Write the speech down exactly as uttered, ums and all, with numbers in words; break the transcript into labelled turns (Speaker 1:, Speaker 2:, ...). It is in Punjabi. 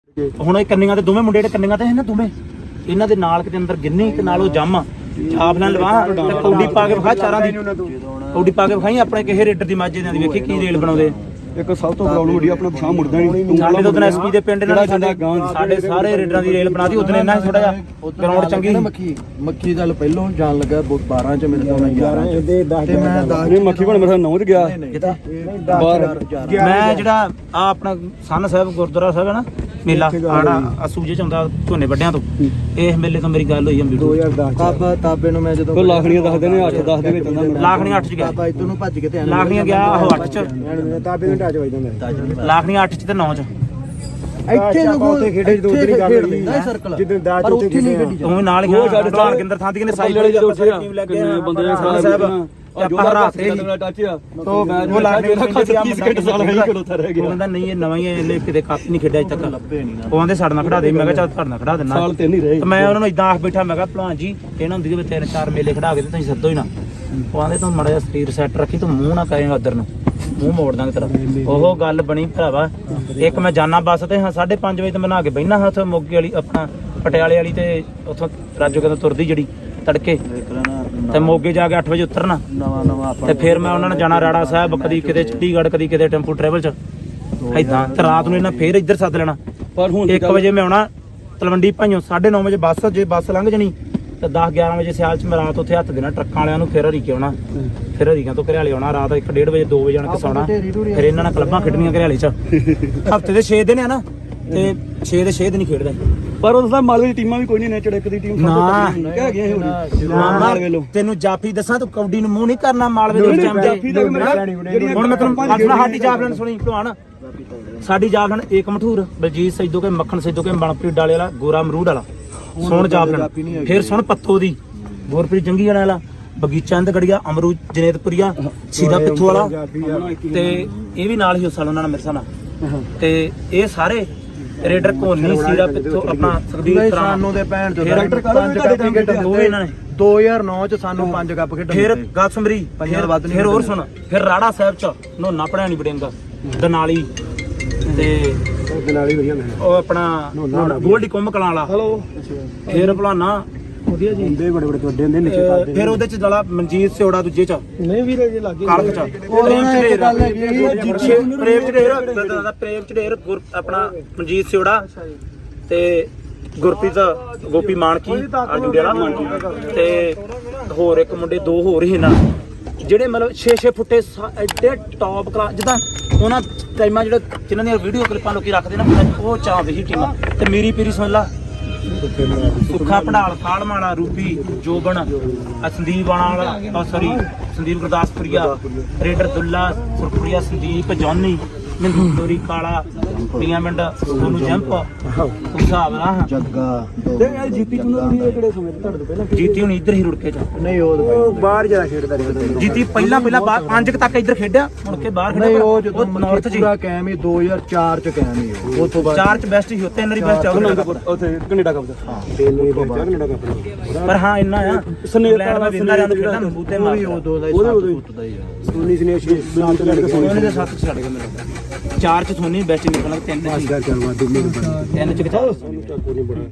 Speaker 1: ਹੁਣ ਇਹ ਕੰਨੀਆਂ ਤੇ ਦੋਵੇਂ ਮੁੰਡੇ ਜਿਹੜੇ ਕੰਨੀਆਂ ਤੇ ਹੈ ਨਾ ਦੋਵੇਂ ਇਹਨਾਂ ਦੇ ਨਾਲ ਕਿਤੇ ਅੰਦਰ ਗਿੰਨੀ ਤੇ ਨਾਲ ਉਹ ਜੰਮ ਛਾਪ ਨਾਲ ਲਵਾ ਤੇ ਕੌਡੀ ਪਾ ਕੇ ਵਿਖਾ ਚਾਰਾਂ ਦੀ ਕੌਡੀ ਪਾ ਕੇ ਵਿਖਾਈ ਆਪਣੇ ਕਿਸੇ ਰੇਡਰ ਦੀ ਮਾਝੇ ਦੀ ਵੇਖੀ ਕੀ ਰੇਲ ਬਣਾਉਂਦੇ।
Speaker 2: ਇੱਕ ਸਭ ਤੋਂ ਪ੍ਰੋਬਲਮ ਵੱਡੀ ਆਪਣਾ ਪਛਾਣ ਮੁੜਦਾ ਨਹੀਂ।
Speaker 1: ਸਾਡੇ ਤੋਂ ਐਸਪੀ ਦੇ ਪਿੰਡ ਨਾਲ ਸਾਡੇ ਸਾਡੇ ਸਾਰੇ ਰੇਡਰਾਂ ਦੀ ਰੇਲ ਬਣਾਤੀ ਉਦੋਂ ਇਹਨਾਂ ਹੀ ਥੋੜਾ ਜਿਹਾ ਗਰਾਊਂਡ ਚੰਗੀ
Speaker 3: ਮੱਖੀ ਮੱਖੀ ਗੱਲ ਪਹਿਲੋਂ ਜਾਣ ਲੱਗਾ ਬਾਰਾਂ ਚ ਮੇਰੇ ਤੋਂ ਗਿਆਰਾਂ ਤੇ ਮੈਂ
Speaker 2: ਨਹੀਂ ਮੱਖੀ ਬਣ ਮੇਰਾ ਨੌ ਚ ਗਿਆ
Speaker 1: ਮੈਂ ਜਿਹੜਾ ਆ ਆਪਣਾ ਸੰਨ ਸਾਹਿਬ ਗੁਰਦੁਆਰਾ ਸਾਹਿਬ ਹੈ ਨਾ ਮੇਲਾ ਆੜਾ ਸੂਜੇ ਚ ਆਉਂਦਾ ਝੋਨੇ ਵੱਡਿਆਂ ਤੋਂ ਇਸ ਮੇਲੇ ਤੋਂ ਮੇਰੀ ਗੱਲ ਹੋਈ
Speaker 3: ਦੋ ਹਜ਼ਾਰ ਦਸ ਤਾਬਾ ਤਾਬੇ ਨੂੰ ਮੈਂ ਜਦੋਂ
Speaker 2: ਲਾਖਣੀਆਂ ਦੱਸਦੇ ਨੇ ਅੱਠ ਦਸ ਦੇ ਵਿੱਚ ਹੁੰਦਾ
Speaker 1: ਲਾਖਣੀਆਂ ਅੱਠ ਚ ਗਿਆ
Speaker 3: ਤਾਬਾ ਇਤੋਂ ਨੂੰ ਭੱਜ ਕੇ ਤੇ
Speaker 1: ਲਾਖਣੀਆਂ ਗਿਆ ਉਹ ਅੱਠ ਚ
Speaker 3: ਤਾਬੇ ਨੂੰ ਟੱਚ ਵੱਜਦਾ
Speaker 1: ਲਾਖਣੀਆਂ ਅੱਠ ਚ ਤੇ ਨੌ ਚ
Speaker 3: ਇੱਥੇ ਲੋਕੋ ਉੱਥੇ ਖੇਡੇ ਜਦੋਂ ਉਧਰ ਹੀ ਗੱਲ ਹੋਈ ਨਾ ਸਰਕਲ ਜਿੱਦਾਂ ਦਾਜ ਉੱਥੇ ਖੇਡੇ
Speaker 1: ਤੂੰ ਨਾਲ ਹੀ ਹਾਂ ਗਿੰਦਰ ਥਾਂ ਦੀ ਨੇ ਸਾਈਡ ਵਾਲੇ ਜਦੋਂ ਟੀਮ ਲੈ ਕੇ ਬੰਦੇ ਸਾਹਿਬ ਆਪਾਂ ਹਰਾਤੇ ਹੀ ਤੋ ਉਹ ਲਾ ਕੇ ਤੀਹ ਸਕਿੰਟ ਸਾਲ ਹੈ ਖੜੋਤਾ ਰਹਿ ਗਿਆ। ਕਹਿੰਦਾ ਨਹੀਂ ਇਹ ਨਵਾਂ ਹੀ ਹੈ ਕਿਤੇ ਕੱਪ ਨਹੀਂ ਖੇਡਿਆ ਅਜੇ ਤੱਕ ਉਹ ਆਂਦੇ ਸਾਡੇ ਨਾਲ ਖੜਾ ਦੇ ਮੈਂ ਕਿਹਾ ਚੱਲ ਤੁਹਾਡੇ ਨਾਲ ਖੜਾ ਦਿੰਦਾ
Speaker 2: ਸਾਲ ਤਿੰਨ ਹੀ ਰਹੇ
Speaker 1: ਮੈਂ ਉਹਨਾਂ ਨੂੰ ਇਦਾਂ ਆਖ ਬੈਠਾ ਮੈਂ ਕਿਹਾ ਭਲਵਾਨ ਜੀ ਇਹਨਾਂ ਹੁੰਦੀ ਕਿ ਤਿੰਨ ਚਾਰ ਮੇਲੇ ਖੜਾ ਕੇ ਤੇ ਤੁਸੀਂ ਸੱਦੋ ਹੀ ਨਾ ਉਹ ਆਂਦੇ ਤੂੰ ਮੜਾ ਜਿਹਾ ਸਰੀਰ ਸੈੱਟ ਰੱਖੀ ਤੂੰ ਮੂੰਹ ਨਾ ਕਹੇਗਾ ਉਧਰ ਨੂੰ ਮੂੰਹ ਮੋੜ ਦਾਂਗੇ ਤੇਰਾ ਉਹ ਗੱਲ ਬਣੀ ਭਰਾਵਾ। ਇੱਕ ਮੈਂ ਜਾਨਾ ਬੱਸ ਤੇ ਹਾਂ ਸਾਢੇ ਪੰਜ ਵਜੇ ਤੇ ਬਣਾ ਕੇ ਬਹਿਣਾ ਹਾਂ ਉੱਥੇ ਮੋਗੇ ਵਾਲੀ ਆਪਣਾ ਪਟਿਆਲੇ ਵਾਲੀ ਤੇ ਉੱਥੋਂ ਰਾਜੋ ਕਹਿੰਦਾ ਤੁਰਦੀ ਜਿਹੜੀ ਤੜਕੇ ਤੇ ਮੋਗੇ ਜਾ ਕੇ ਅੱਠ ਵਜੇ ਉਤਰਨਾ
Speaker 3: ਨਵਾਂ ਨਵਾਂ
Speaker 1: ਤੇ ਫਿਰ ਮੈਂ ਉਹਨਾਂ ਨੇ ਜਾਣਾ ਰਾੜਾ ਸਾਹਿਬ ਕਦੀ ਕਿਤੇ ਚੰਡੀਗੜ੍ਹ ਕਦੀ ਕਿਤੇ ਟੈਂਪੂ ਟਰੈਵਲ ਚ ਏਦਾਂ ਤੇ ਰਾਤ ਨੂੰ ਇਹਨਾਂ ਫੇਰ ਇੱਧਰ ਸੱਦ ਲੈਣਾ
Speaker 2: ਪਰ ਹੁਣ
Speaker 1: ਇੱਕ ਵਜੇ ਮੈਂ ਆਉਣਾ ਤਲਵੰਡੀ ਭਾਈਓ ਸਾਢੇ ਨੌ ਵਜੇ ਬੱਸ ਜੇ ਬੱਸ ਲੰਘ ਜਣੀ ਤੇ ਦਸ ਗਿਆਰਾਂ ਵਜੇ ਸਿਆਲ ਚ ਮੈਂ ਰਾਤ ਉੱਥੇ ਹੱਥ ਦੇਣਾ ਟਰੱਕਾਂ ਵਾਲਿਆਂ ਨੂੰ ਫਿਰ ਹਰੀਕੇ ਆਉਣਾ ਫਿਰ ਹਰੀਕਿਆਂ ਤੋਂ ਘਰਿਆਲੇ ਆਉਣਾ ਰਾਤ ਇੱਕ ਡੇਢ ਵਜੇ ਦੋ ਵਜੇ ਆਣ ਕੇ ਸੌਣਾ ਫਿਰ ਇਹਨਾਂ ਨਾਲ ਕਲੱਬਾਂ ਖੇਡਣੀਆਂ ਘਰਿਆਲੇ ਚ ਹਫਤੇ ਦੇ ਛੇ ਦਿਨ ਆ ਨਾ ਤੇ ਛੇ ਦੇ ਛੇ ਦਿਨ ਹੀ ਖੇਡਦਾ
Speaker 2: ਪਰ ਉਹਦਾ ਮਾਲਵੇ ਦੀ ਟੀਮਾਂ ਵੀ ਕੋਈ ਨਹੀਂ ਨੇ ਚੜਕ ਦੀ ਟੀਮ
Speaker 1: ਨਾ
Speaker 2: ਕਹਿ ਗਏ
Speaker 1: ਮਾਲਵੇ ਲੋ ਤੈਨੂੰ ਜਾਫੀ ਦੱਸਾਂ ਤੂੰ ਕਬੱਡੀ ਨੂੰ ਮੂੰਹ ਨਹੀਂ ਕਰਨਾ ਮਾਲਵੇ ਦੇ ਵਿੱਚ ਹੁਣ ਮੈਂ ਤੈਨੂੰ ਆਪਣਾ ਸਾਡੀ ਜਾਫਲਨ ਸੁਣੀ ਭਲਵਾਨ ਸਾਡੀ ਜਾਫਲਨ ਏਕ ਮਠੂਰ ਬਲਜੀਤ ਸੈਦੋ ਕੇ ਮੱਖਣ ਸੈਦੋ ਕੇ ਮਨਪ੍ਰੀਤ ਡਾਲੇ ਵਾਲਾ ਗੋਰਾ ਅਮਰੂਦ ਵਾਲਾ ਸੁਣ ਜਾਫਲਨ ਫਿਰ ਸੁਣ ਪੱਤੋ ਦੀ ਗੁਰਪ੍ਰੀਤ ਜੰਗੀ ਵਾਲਾ ਬਗੀਚਾ ਇੰਦ ਗੜੀਆ ਅਮਰੂਦ ਜਨੇਤਪੁਰੀਆ ਸੀਦਾ ਪਿੱਥੂ ਵਾਲਾ ਤੇ ਇਹ ਵੀ ਨਾਲ ਹੀ ਉਸ ਸਾਲ ਉਹਨਾਂ ਨਾਲ ਮੇਰੇ ਸਾਹ ਨਾਲ ਤੇ ਇਹ ਸਾਰੇ ਰੇਡਰ ਕੋਨੀ ਸੀਰਾ ਪਿੱਥੋਂ ਆਪਣਾ ਸੁਖਦੀਪ
Speaker 3: ਸਾਨੂੰ ਦੇ ਭੈਣ ਚੋਂ
Speaker 1: ਡਾਇਰੈਕਟਰ ਪੰਜ ਕੱਪ ਖੇਡ ਦੋਵੇਂ ਇਹਨਾਂ ਨੇ
Speaker 3: ਦੋ ਹਜ਼ਾਰ ਨੌ ਚ ਸਾਨੂੰ ਪੰਜ ਕੱਪ ਖੇਡਣ
Speaker 1: ਫਿਰ ਗੱਲ ਸਮਰੀ ਫਿਰ ਹੋਰ ਸੁਣ ਫਿਰ ਰਾੜਾ ਸਾਹਿਬ ਚ ਨੋਨਾ ਪੜਿਆ ਨਹੀਂ ਬੜੇਂਗਾ ਦਨਾਲੀ ਤੇ
Speaker 3: ਦਨਾਲੀ ਵਧੀਆ ਮੈਂ
Speaker 1: ਉਹ ਆਪਣਾ ਗੋਲਡੀ ਕੁੰਮ ਕਲਾਂ ਵਾਲਾ
Speaker 2: ਹਲੋ
Speaker 1: ਫਿਰ ਭਲਾਨਾ
Speaker 3: ਵਧੀਆ ਜੀ ਹੁੰਦੇ ਬੜੇ ਬੜੇ ਵੱਡੇ ਹੁੰਦੇ ਨਿੱਕੇ ਕਰਦੇ
Speaker 1: ਫਿਰ ਉਹਦੇ ਚ ਦਲਾ ਮਨਜੀਤ ਸਿਉੜਾ ਦੂਜੇ ਚ
Speaker 3: ਨਹੀਂ ਵੀਰੇ ਜੀ ਲੱਗੇ
Speaker 1: ਕਾਲਕ ਚ ਪ੍ਰੇਮ ਚੜੇਰ ਪ੍ਰੇਮ ਚੜੇਰ ਆਪਣਾ ਮਨਜੀਤ ਸਿਉੜਾ ਤੇ ਗੁਰਪ੍ਰੀਤ ਗੋਪੀ ਮਾਨਕੀ ਆਜੂੜੇ ਵਾਲਾ ਤੇ ਹੋਰ ਇੱਕ ਮੁੰਡੇ ਦੋ ਹੋਰ ਹੀ ਨਾ ਜਿਹੜੇ ਮਤਲਬ ਛੇ ਛੇ ਫੁੱਟੇ ਐਡੇ ਟੌਪ ਕਲਾਸ ਜਿੱਦਾਂ ਉਹਨਾਂ ਟਾਈਮਾਂ ਜਿਹੜੇ ਜਿਨ੍ਹਾਂ ਦੀਆਂ ਵੀਡੀਓ ਕਲਿੱਪਾਂ ਲੋਕੀ ਰੱਖਦੇ ਨਾ ਉਹ ਚਾਹਦੇ ਸੀ ਟੀਮਾਂ ਤੇ ਮੇਰੀ ਪੀਰੀ ਸੁਣ ਲਾ ਸੁੱਖਾ ਭੰਡਾਲ ਖਾਲਮਾਲਾ ਰੂਪੀ ਜੋਬਨ ਸੰਦੀਪ ਵਾਲਾ ਸੌਰੀ ਸੰਦੀਪ ਗੁਰਦਾਸਪੁਰੀਆ ਰੇਡਰ ਦੁੱਲਾ ਸੁਰਪੁਰੀਆ ਸੰਦੀਪ ਜੌਨੀ ਮਿੰਦੂਰੀ ਕਾਲਾ ਪੀਆਂ ਮਿੰਡ ਉਹਨੂੰ ਜੰਪ ਹਿਸਾਬ ਨਾਲ
Speaker 3: ਜੱਗਾ
Speaker 2: ਤੇ ਇਹ ਜੀਤੀ ਚੁਣੋ ਵੀ ਕਿਹੜੇ ਸਮੇਂ ਤੁਹਾਡੇ ਤੋਂ ਪਹਿਲਾਂ
Speaker 1: ਜੀਤੀ ਹੁਣ ਇੱਧਰ ਹੀ ਰੁੜਕੇ ਚ
Speaker 3: ਨਹੀਂ ਉਹ ਬਾਹਰ ਜਾ ਖੇਡਦਾ ਰਿਹਾ
Speaker 1: ਜੀਤੀ ਪਹਿਲਾਂ ਪਹਿਲਾਂ ਬਾਹਰ ਪੰਜ ਤੱਕ ਇੱਧਰ ਖੇਡਿਆ ਮੁੜ ਕੇ ਬਾਹਰ
Speaker 3: ਨਹੀਂ
Speaker 1: ਖੇਡਿਆ
Speaker 3: ਉਹ ਜਦੋਂ
Speaker 1: ਨਾਰਥ ਜੀ
Speaker 3: ਪੂਰਾ ਕਾਇਮ ਹੀ ਦੋ ਹਜ਼ਾਰ ਚਾਰ ਚ ਕਾਇਮ ਹੀ ਉਹ ਤੋਂ ਬਾਅਦ
Speaker 1: ਚਾਰ ਚ ਬੈਸਟ ਹੀ ਤਿੰਨ ਵਾਰੀ ਬੈਸਟ ਆਉਗਾ
Speaker 2: ਉੱਥੇ ਕੈਨੇਡਾ ਕੱਪ
Speaker 3: ਹਾਂ ਤਿੰਨ ਤੋਂ ਬਾਅਦ ਕੈਨੇਡਾ ਕੱਪ
Speaker 1: ਪਰ ਹਾਂ ਇੰਨਾ ਆ ਸਨੇਟਾ ਦਾ ਵਿੰਨਾ ਜਾਂ ਖੇਡਾਂ ਬੂਤੇ ਮਾਰ
Speaker 3: ਉਹ ਦੋ ਦਾ ਹੀ ਦਾ ਹੀ ਸੋਨੀ ਸਨੇ ਛੇ ਸੱਤ ਲੜ ਕੇ
Speaker 1: ਸੋਨੀ ਦੇ ਸੱਤ ਛੱਡ ਕੇ ਮੇਰੇ ਚਾਰ ਚ ਸੋਨੀ ਬੈਸਟ ਨਿਕਲਣਾ ਤਿੰਨ ਚ ਤਿੰਨ ਚ ਕਿਥਾ